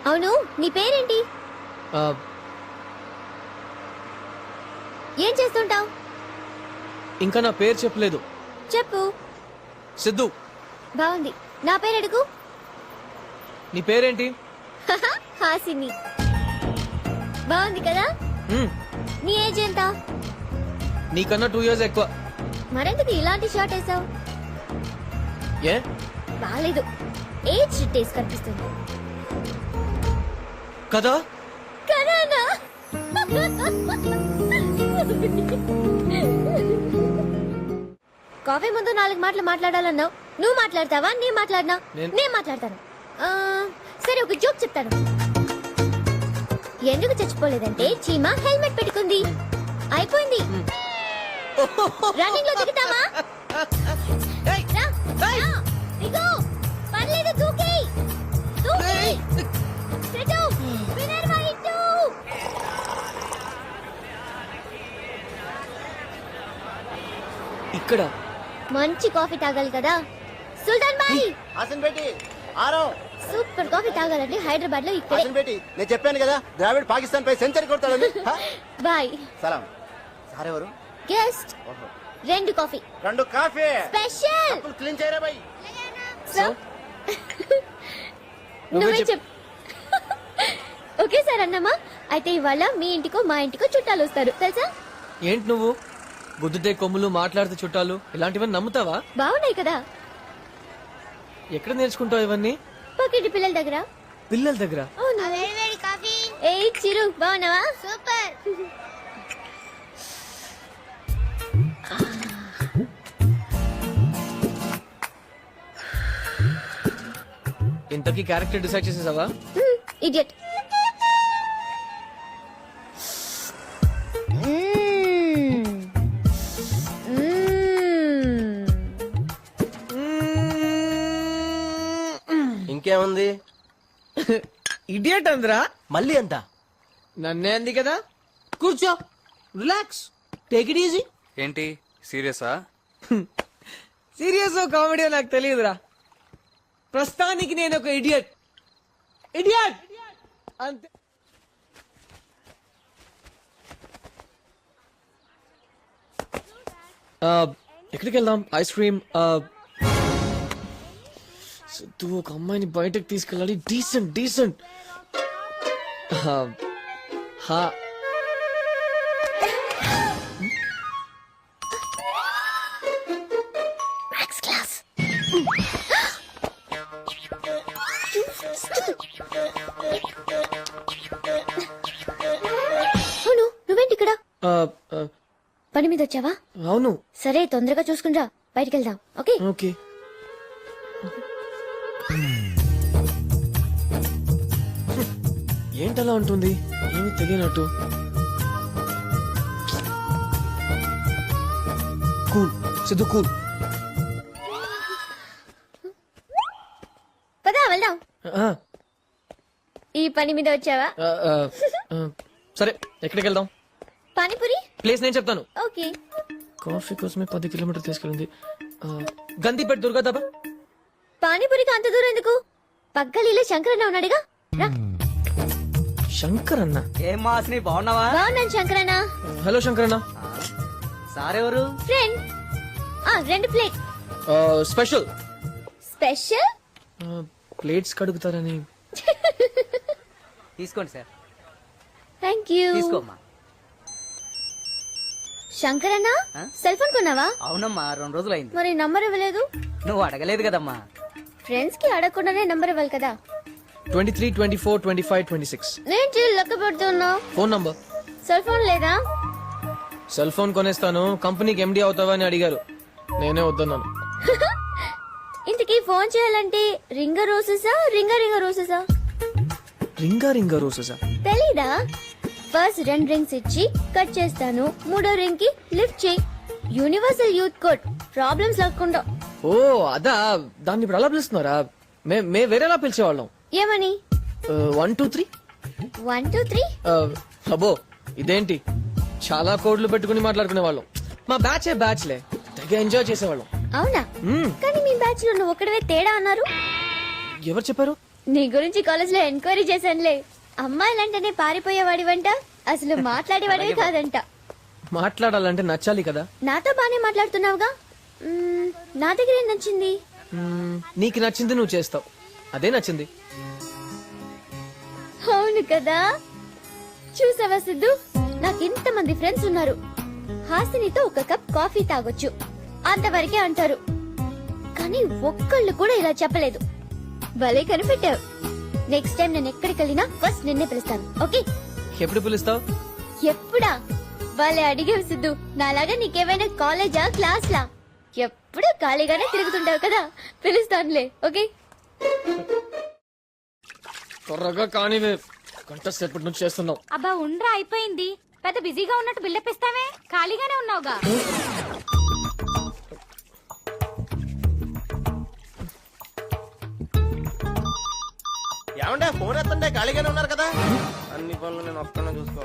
అవును, నీ పేరేంటి? ఏం చేస్తుంటావు? ఇంకా నా పేరు చెప్పలేదు. చెప్పు. సిద్ధు. బాగుంది. నా పేరు అడుగు. నీ పేరేంటి? హాసిని. బాగుంది కదా? నీ ఏజ్ ఎంత? నీకన్నా 2 years ఎక్కువ. మరెందుకు ఇలాంటి షార్ట్ వేసావు? ఏ బాలేదు, ఏజ్ టేస్ట్ కనిపిస్తుంది కదా. కరానా? కాఫీ ముందు 4 మాటలు మాట్లాడాలన్నావు. నువ్వు మాట్లాడతావా? నేను మాట్లాడినా? నేను మాట్లాడతాను. సరే, ఒక జోక్ చెప్తాను. ఎందుకు చచ్చిపోలేదంటే చీమ హెల్మెట్ పెట్టుకుంది. అయిపోయింది. రన్నింగ్ లో దిగుతావా? దిగు. పర్లేదు, దూకేయ్. దూకేయ్. సెటు. Winner white. ఇక్కడ మంచి కాఫీ తాగాలి కదా సుల్తాన్ బాయ్. హాసన్ బేటీ ఆరో. సూపర్ కాఫీ తాగాలంటే హైదరాబాద్ లో ఇక్కడే. హాసన్ బేటీ, నేను చెప్పాను కదా ద్రావిడ్ పాకిస్తాన్ పై సెంచరీ కొడతాడని. బాయ్. సలాం. సార్ ఎవరు? గెస్ట్. 2 కాఫీ. 2 coffee special. కప్పులు క్లీన్ చేయరా బాయ్. సో నువ్వే చెప్పు. ఓకే సార్ అన్నమా. అయితే ఇవాళ మీ ఇంటికో మా ఇంటికో చుట్టాలు వస్తారు తెలుసా? ఏంటి నువ్వు గుద్దుతే కొమ్ములు మాట్లాడితే చుట్టాలు ఇలాంటివన్నీ నమ్ముతావా? బాగున్నాయి కదా. ఎక్కడ నేర్చుకుంటావు ఇవన్నీ? పక్కింటి పిల్లల దగ్గర. పిల్లల దగ్గర? ఏ చిరు, బాగున్నావా? సూపర్. ఇంతకీ క్యారెక్టర్ డిసైడ్ చేసేసావా? ఇడియట్. ఇంకేముంది? ఇడియట్ అందరా? మళ్ళీ అంత నన్నే అంది కదా. కూర్చో, రిలాక్స్, టేక్ ఇట్ ఈజీ. ఏంటి సీరియసా? సీరియస్ కామెడీ నాకు తెలియదురా. ప్రస్తుతానికి నేను ఒక ఇడియట్. ఇడియట్ అంతే. ఎక్కడికి వెళ్దాం? Ice cream. సిద్ధు, ఒక అమ్మాయిని బయటకు తీసుకెళ్ళాలి. Decent decent. అవును, నువ్వేంటి ఇక్కడ? పని మీద వచ్చావా? అవును. సరే, తొందరగా చూసుకుంటా. బయటికి వెళ్దాం. Okay okay. ఏంటలా ఉంటుంది? ఏమి తెలియనట్టు. Cool Siddhu, cool. పదా వెళ్దాం. ఈ పని మీద వచ్చావా? సరే, ఎక్కడికి వెళ్దాం? పానీపూరి ప్లేస్ నేను చెప్తాను. ఓకే. కాఫీ కోసమే 10 కిలోమీటర్లు తీసుకెళ్ళింది. గందిపేట దుర్గా దాబా. పానీపూరికి అంత దూరం ఎందుకు? పక్కలీలో శంకరన్న ఉన్నాడుగా, రా. శంకర్ అన్న? ఏం మాస్ని, బాగున్నావా? బాగున్నాను శంకరన్న. హలో శంకరన్న. సారెవరు? Friend. 2 plate. Special. Special? Plates కడుగుతారని. తీసుకోండి సార్. Thank you. తీసుకోమ్మా. శంకరన్న, సెల్ ఫోన్ కొన్నావా? అవునమ్మా, 2 రోజులైంది. మరి నంబర్ ఇవ్వలేదు? నువ్వు అడగలేదు కదమ్మా. ఫ్రెండ్స్ కి అడగకుండానే నంబర్ ఇవ్వాలి కదా. 23, 24, 25, 26. నేను లెక్క పెడుతున్నా. Phone number. సెల్ ఫోన్ లేదా? సెల్ ఫోన్ కొనేస్తాను, కంపెనీకి ఎండి అవుతావా అని అడిగారు. నేనే వద్దన్నాను. ఇంతకీ ఫోన్ చేయాలంటే రింగ రోసెసా రింగ రోసెసా? రింగా రింగా రోజా? తెలీదా? ఫస్ట్ 2 రింగ్స్ ఇచ్చి కట్ చేస్తాను, 3వ రింగ్ కి లిఫ్ట్ చేయి. యూనివర్సల్ యూత్ కోడ్, ప్రాబ్లమ్స్ లేకుండా. ఓ అదా, దాన్ని ఇప్పుడు అలా పిలుస్తున్నారా? మే వేరేలా పిలిచేవాళ్ళం. ఏమని? 1 2 3. 1 2 3. అబ్బో, ఇదేంటి చాలా కోడ్లు పెట్టుకుని మాట్లాడుకునే వాళ్ళం. మా బ్యాచ్లే తెగ ఎంజాయ్ చేసేవాళ్ళం. అవునా? కానీ మీ బ్యాచ్ లో నువ్వు ఒకటివే తేడా అన్నారు. ఎవరు చెప్పారు? నీ గురించి కాలేజ్ లో ఎంక్వైరీ చేశానులే. అమ్మాయిలంటేనే పారిపోయేవాడివంట, అసలు మాట్లాడేవాడివి కాదంట. మాట్లాడాలంటే నచ్చాలి కదా. నాతో బానే మాట్లాడుతున్నావుగా. నా దగ్గర ఏం నచ్చింది? నీకు నచ్చింది నువ్వు చేస్తావు, అదే నచ్చింది. అవును కదా. చూసావా సిద్ధు, నాకు ఇంతమంది ఫ్రెండ్స్ ఉన్నారు. హాసినితో ఒక కప్ కాఫీ తాగొచ్చు అంతవరకే అంటారు, కానీ ఒక్కళ్ళు కూడా ఇలా చెప్పలేదు. భలే కనిపెట్టావు. నెక్స్ట్ టైం నేను ఎక్కడికి వెళ్ళినా ఫస్ట్ నిన్నే పిలుస్తాను, ఓకే? ఎప్పుడు పిలుస్తావు? ఎప్పుడా? భలే అడిగావు సిద్ధు. నాలాగా నీకేమైనా కాలేజా క్లాస్లా? ఎప్పుడు ఖాళీగానే తిరుగుతుంటావు కదా, పిలుస్తానులే, ఓకే? త్వరగా కానివే, గంట సేపటి నుంచి చేస్తున్నావు. అబ్బా ఉండ్రా, అయిపోయింది. పెద్ద బిజీగా ఉన్నట్టు బిల్డప్ ఇస్తావే, ఖాళీగానే ఉన్నావుగా. ఏమంటే ఫోన్ ఎత్తంటే ఖాళీగానే ఉన్నారు కదా. అన్ని పనులు నేను ఒక్కనే చూసుకో.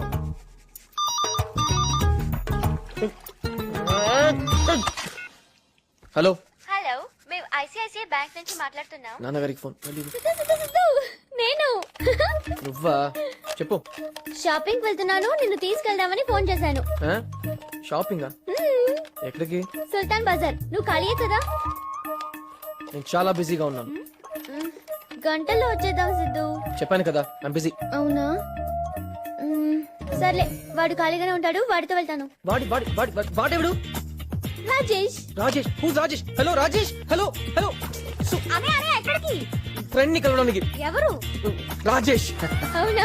హలో హలో, మేము ఐసిఐసిఐ బ్యాంక్ నుంచి మాట్లాడుతున్నాం. నాన్నగారికి ఫోన్. నేను నువ్వా? చెప్పు. షాపింగ్ వెళ్తున్నాను, నిన్ను తీసుకెళ్దామని ఫోన్ చేశాను. షాపింగా? ఎక్కడికి? సుల్తాన్ బజార్. నువ్వు ఖాళీయే కదా? నేను చాలా బిజీగా ఉన్నాను. గంటల్లో వచ్చేద్దాం సిద్ధు. చెప్పాను కదా, ఐమ్ బిజీ. అవునా? సర్లే, వాడు ఖాళీగానే ఉంటాడు, వాడితో వెళ్తాను. వాడెవడు? Rajesh. Rajesh? Who's Rajesh? Hello Rajesh. Hello hello. అరే అరే, ఎక్కడికి? ఫ్రెండ్ ని కలవడానికి. ఎవరు? రాజేష్. అవునా?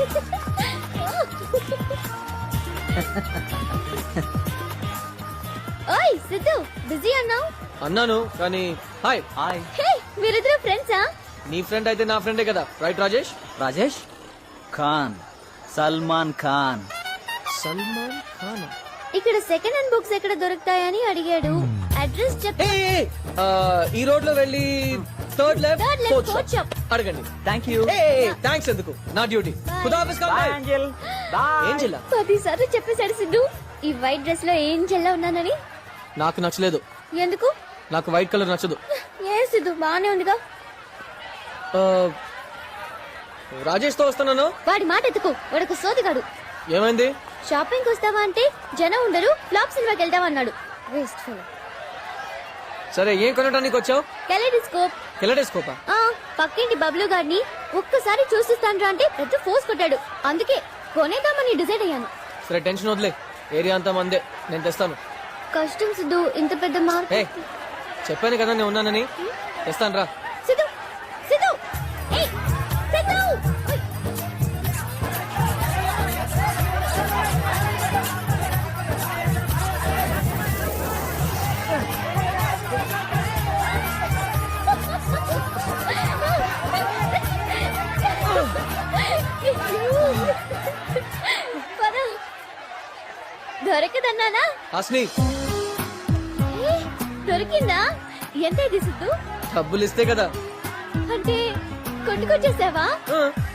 ఓయ్ సిద్ధు, బిజీ అన్నావు. అన్నాను కానీ. హాయ్. హాయ్ హే, మీరిద్దరు ఫ్రెండ్సా? నీ ఫ్రెండ్ అయితే నా ఫ్రెండే కదా, రైట్ రాజేష్? రాజేష్ ఖాన్, సల్మాన్ ఖాన్. సల్మాన్ ఖాన్. ఇక్కడ సెకండ్ హ్యాండ్ బుక్స్ ఎక్కడ దొరుకుతాయని అడిగాడు. అడ్రస్ చెప్. ఈ రోడ్ లో వెళ్ళి third left, Third left, fourth fourth shop. అడగండి. Thank you. థ్యాంక్స్ ఎందుకు, నా డ్యూటీ. ఖుదాఫిజ్ బాయ్ కామ్రేడ్. ఏంజెల్. బాయ్. ఏంజెలా? 10 సార్లు చెప్పేశాడు సిద్ధు ఈ వైట్ డ్రెస్ లో ఏం చెల్లా ఉన్నానని. నాకు నచ్చలేదు. ఎందుకు? నాకు వైట్ కలర్ నచ్చదు. ఏ సిద్ధు, బానే ఉందిగా. ఆ, రాజేష్ తో వస్తున్నాను. వాడి మాట ఎత్తుకు, వాడొక సోదిగాడు. ఏమైంది? షాపింగ్ వస్తావా అంటే జనం ఉండరు, ఫ్లాప్ సినిమాకి వెళ్తామన్నాడు. Waste fellow. సరే, ఏం కొనడానికి వచ్చావు? కెలెడోస్కోప్. కెలెడోస్కోపా? పక్కింటి బబ్లు గారిని ఒక్కసారి చూసిస్తాను అంటే పెద్ద ఫోర్స్ కొట్టాడు. అందుకే కొనేద్దామని డిసైడ్ అయ్యాను. సరే, టెన్షన్ వదిలే, ఏరియా అంతా మందే, నేను తెస్తాను. కష్టం సిద్ధు, ఇంత పెద్ద ఏ, మార్కెట్. చెప్పాను కదా నేను ఉన్నానని. తెస్తాను రా. సిద్ధు, సిద్ధు, ఏయ్, సిద్ధు! ఓయ్. పద. దొరకదన్నానా? హాస్ని, ఏ, దొరికిందా? ఎంత ఇది సిద్ధు? డబ్బులు ఇస్తే కదా. అంటే కొట్టుకొచ్చేసావా? ఆ,